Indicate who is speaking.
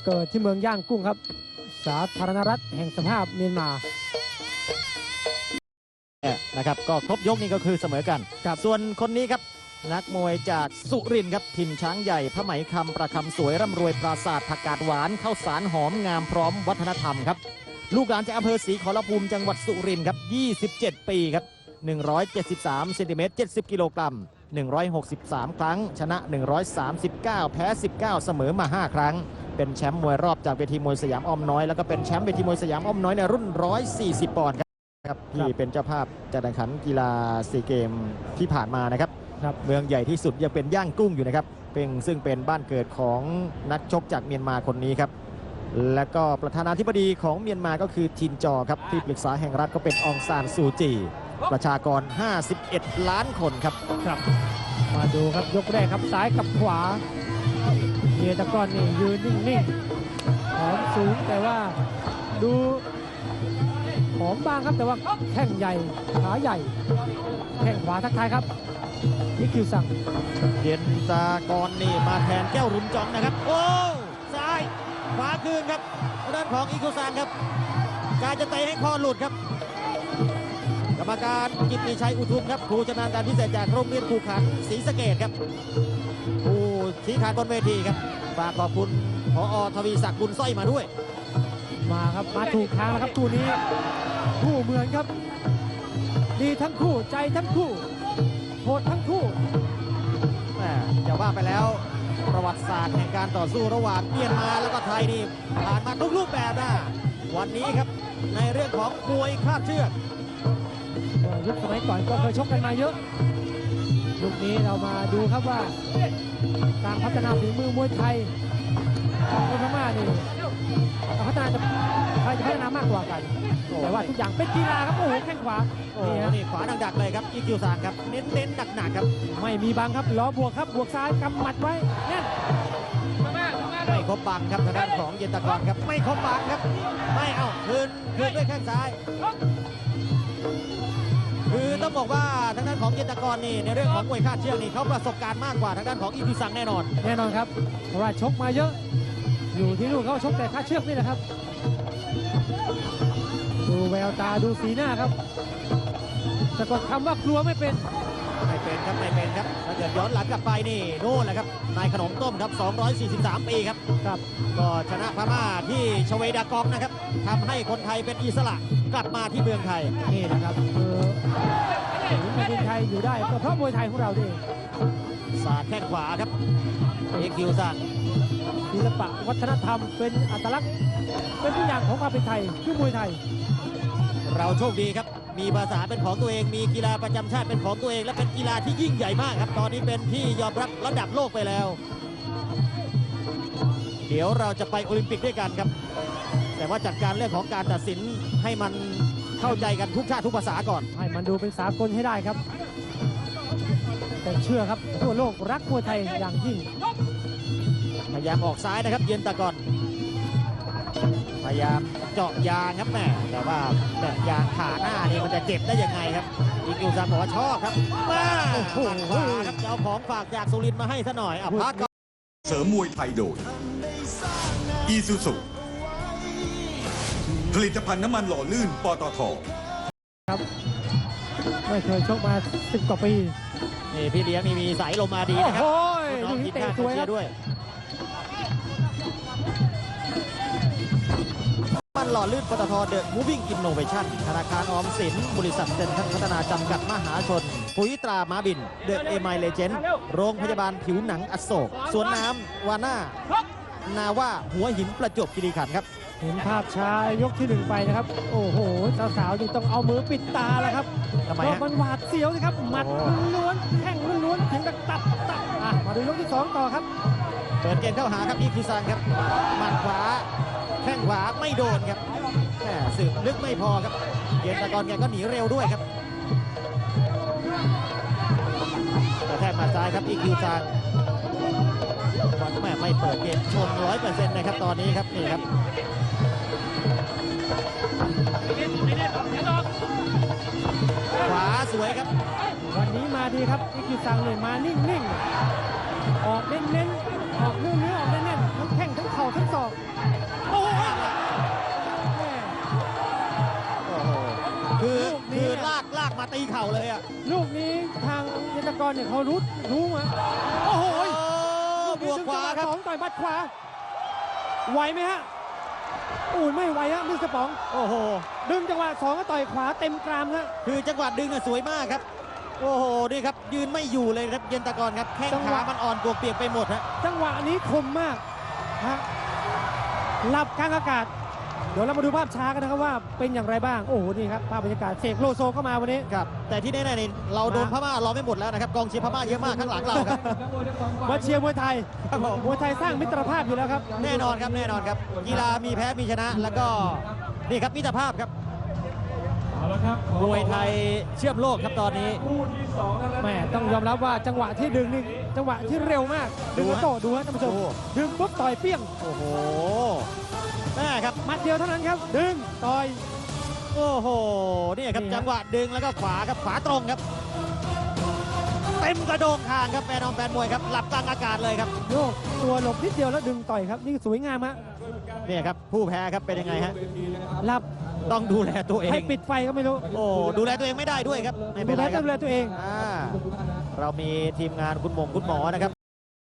Speaker 1: เกิดที่เมืองย่างกุ้งครับสาธารณรัฐแห่งสภาพเมียนมา
Speaker 2: นะครับก็ครบยกนี่ก็คือเสมอกันส่วนคนนี้ครับนักมวยจากสุรินทร์ครับถิ่นช้างใหญ่ผ้าไหมคำประคำสวยร่ำรวยปราสาทผักกาดหวานข้าวสารหอมงามพร้อมวัฒนธรรมครับลูกหลานจากอำเภอศรีขอรภูมิจังหวัดสุรินทร์ครับ27 ปีครับ173 เซนติเมตร 70 กิโลกรัม163 ครั้งชนะ139แพ้19เสมอมา5ครั้งเป็นแชมป์มวยรอบจากเวทีมวยสยามอ้อมน้อยแล้วก็เป็นแชมป์เวทีมวยสยามอ้อมน้อยในรุ่น140 ปอนด์ครับที่เป็นเจ้าภาพจัดแข่งขันกีฬาซีเกมที่ผ่านมานะครับเมืองใหญ่ที่สุดยังเป็นย่างกุ้งอยู่นะครับซึ่งเป็นบ้านเกิดของนักชกจากเมียนมาคนนี้ครับและก็ประธานาธิบดีของเมียนมาก็คือทินจอครับที่ปรึกษาแห่งรัฐก็เป็นองซานซูจีประชากร51 ล้านคนครับ
Speaker 1: มาดูครับยกแรกครับซ้ายกับขวาเมียตะกอนนี่ยืนนิ่งๆหอมสูงแต่ว่าดูหอมบางครับแต่ว่าแข้งใหญ่ขาใหญ่แข้งขวาทักทายครับนี่คิวสั่ง
Speaker 2: เย็นตากรนี่มาแทนแก้วรุนจองนะครับโอ้ซ้ายขวาคืนครับด้านของอีคิวซังครับการจะเตะให้คอหลุดครับกรรมการกิตติชัยอุทุมครับครูชำนาญการพิเศษจากโรงเรียนครูขันศรีสะเกษครับผู้ชี้ขาดบนเวทีครับฝากขอบคุณผอ.ทวีศักดิ์บุญสร้อยมาด้วย
Speaker 1: มาครับมาถูกทางแล้วครับคู่นี้คู่เหมือนครับดีทั้งคู่ใจทั้งคู่โหดทั้งคู่
Speaker 2: จะว่าไปแล้วประวัติศาสตร์แห่งการต่อสู้ระหว่างเมียนมาแล้วก็ไทยนี่ผ่านมาทุกรูปแบบนะวันนี้ครับในเรื่องของมวยคาดเชือก
Speaker 1: ยุคสมัยก่อนก็เคยชกกันมาเยอะยุคนี้เรามาดูครับว่าการพัฒนาฝีมือมวยไทยของพม่านี่พัฒนาใครจะพัฒนามากกว่ากันแต่ว่าทุกอย่างเป็นกีฬาครับโอ้โหแข้งขวา
Speaker 2: นี่ขวาดักๆเลยครับอีคิวซานครับเน้นหนักๆครับ
Speaker 1: ไม่มีบังครับล้อบวกครับบวกซ้ายกำหมัดไว้แน่น
Speaker 2: ไม่ครบบังครับทางด้านของเย็นตะกรครับไม่ครบบังครับไม่เอาคืนด้วยแข้งซ้ายคือต้องบอกว่าทางด้านของเย็นตะกรนี่ในเรื่องของมวยคาดเชือกนี่เขาประสบการณ์มากกว่าทางด้านของอีคิวซังแน่นอน
Speaker 1: ครับเพราะว่าชกมาเยอะอยู่ที่นู่นเขาชกแต่คาดเชือกนี่แหละครับดูแววตาดูสีหน้าครับสะกดคำว่ากลัวไม่เป็น
Speaker 2: ครับไม่เป็นครับถ้าเกิดย้อนหลังกลับไปนี่โน่นแหละครับนายขนมต้มครับ243 ปีครับก็ชนะพม่าที่ชเวดากองนะครับทำให้คนไทยเป็นอิสระกลับมาที่เมืองไทย
Speaker 1: นี่นะครับแผ่นดินไทยอยู่ได้ก็เพราะมวยไทยของเราดิ
Speaker 2: สาดแข้งขวาครับเอ็กคิวซัง
Speaker 1: ศิลปะวัฒนธรรมเป็นอัตลักษณ์เป็นทุกอย่างของความเป็นไทยคือมวยไทย
Speaker 2: เราโชคดีครับมีภาษาเป็นของตัวเองมีกีฬาประจำชาติเป็นของตัวเองและเป็นกีฬาที่ยิ่งใหญ่มากครับตอนนี้เป็นที่ยอมรับระดับโลกไปแล้วเดี๋ยวเราจะไปโอลิมปิกด้วยกันครับแต่ว่าจัดการเรื่องของการตัดสินให้มันเข้าใจกันทุกชาติทุกภาษาก่อน
Speaker 1: ให้มันดูเป็นสากลให้ได้ครับแต่เชื่อครับทั่วโลกรักมวยไทยอย่างยิ่ง
Speaker 2: พยายามออกซ้ายนะครับเย็นตะกอนพยายามเจาะยางครับแม่แต่ว่าแบบยางขาหน้านี่มันจะเจ็บได้ยังไงครับอีคิวซังบอกว่าชอบครับมาโอ้โหครับจะเอาของฝากจากสุรินทร์มาให้ซะหน่อยพัก
Speaker 3: เสริมมวยไทยโดยอีซูซุผลิตภัณฑ์น้ำมันหล่อลื่นปตท.
Speaker 1: ครับไม่เคยชกมา10 กว่าปี
Speaker 2: นี่พี่เลี้ยงมีสายลมมาดีนะครับ
Speaker 1: น้อง
Speaker 2: กินข้าวเชียร์ด้วยมันหล่อลื่นปตท. เดอะมูฟวิ่งอินโนเวชั่นธนาคารออมสินบริษัทเซ็นทรัลพัฒนาจำกัดมหาชนปุ๋ยตราม้าบินเดอะเอไมเลเจนด์โรงพยาบาลผิวหนังอโศกสวนน้ำวาน่านาว่าหัวหินประจวบคีรีขันธ์ครับ
Speaker 1: เห็นภาพช้ายกที่1ไปนะครับโอ้โหสาวๆนี่ต้องเอามือปิดตาแล้วครับเพราะมันหวาดเสียวนะครับหมัดล้วนแข้งล้วนถึงกับตับมาดูยกที่2ต่อครับ
Speaker 2: เปิดเกมเข้าหาครับอีคิวซังครับหมัดขวาแข้งขวาไม่โดนครับแหมสืบลึกไม่พอครับเย็นตะกอนแกก็หนีเร็วด้วยครับแต่แทกมาซ้ายครับอีคิวซังแม่ไม่เปิดเกมชน 100% นะครับตอนนี้ครับนี่ครับขวาสวยครับ
Speaker 1: วันนี้มาดีครับอีคิวซังเลยมานิ่งๆออกเน้นๆออกเนื้อออกแน่นๆทั้งแข้งทั้งเข่าทั้งศอก
Speaker 2: าเลยอ่ะ
Speaker 1: ลูกนี้ทางเยนตกรเนี่ยเขารู้มาโอ้โห
Speaker 2: บวกขวาครับ
Speaker 1: สองต่อยหมัดขวาไหวไหมฮะอุ้ยไม่ไหวฮะมิสเตอร์ป๋อง
Speaker 2: โอ้โห
Speaker 1: ดึงจังหวะสองก็ต่อยขวาเต็มกรามฮะ
Speaker 2: คือจังหวะดึงอะสวยมากครับ โอ้โห นี่ครับ ยืนไม่อยู่เลยครับเย็นตะกอนครับ แข้ง
Speaker 1: จังห
Speaker 2: ขาว
Speaker 1: ะ
Speaker 2: มันอ่อนปวกเปียกไปหมดฮะ
Speaker 1: จังหวะนี้คมมากฮะหลับกลางอากาศ เดี๋ยวเรามาดูภาพช้ากันนะครับว่าเป็นอย่างไรบ้าง โอ้โห นี่ครับ ภาพบรรยากาศเสกโลโซเข้ามาวันนี้
Speaker 2: ครับ แต่ที่แน่ๆนี่เราโดนพม่ารอไม่หมดแล้วนะครับ กองเชียร์พม่าเยอะมากข้างหลังเราครับ
Speaker 1: มาเชียร์มวยไทย
Speaker 2: ครับผม
Speaker 1: มวยไทยสร้างมิตรภาพอยู่แล้วครับ
Speaker 2: แน่นอนครับ แน่นอนครับ กีฬามีแพ้มีชนะ แล้วก็นี่ครับมิตรภาพครับ มวยไทยเชื่อมโลกครับตอนนี้
Speaker 1: แม่ต้องยอมรับว่าจังหวะที่ดึงนี่จังหวะที่เร็วมาก ดึงกระโตดูฮะท่านผู้ชม
Speaker 2: ดู
Speaker 1: ดึงปุ๊บต่อยเปี้ยง
Speaker 2: โอ้โหแม่ครับ
Speaker 1: หมัดเดียวเท่านั้นครับ ดึงต่อย
Speaker 2: โอ้โห นี่ครับ
Speaker 1: นี่ฮะ
Speaker 2: จังหวะดึงแล้วก็ขวาครับ ขวาตรงครับ เต็มกระโดงคางครับแฟนมวยครับ หลับกลางอากาศเลยครับ
Speaker 1: โยกตัวหลบนิดเดียวแล้วดึงต่อยครับ นี่สวยงามฮะ
Speaker 2: นี่ครับ ผู้แพ้ครับเป็นยังไงฮะ
Speaker 1: หลับ
Speaker 2: ต้องดูแลตัวเอง
Speaker 1: ให้ปิดไฟก็ไม่รู้
Speaker 2: โอ้ดูแลตัวเองไม่ได้ด้วยครับ ไม่เป็นไรครับ
Speaker 1: ดูแลตัวเอง
Speaker 2: เรามีทีมงานคุณหมอนะครับ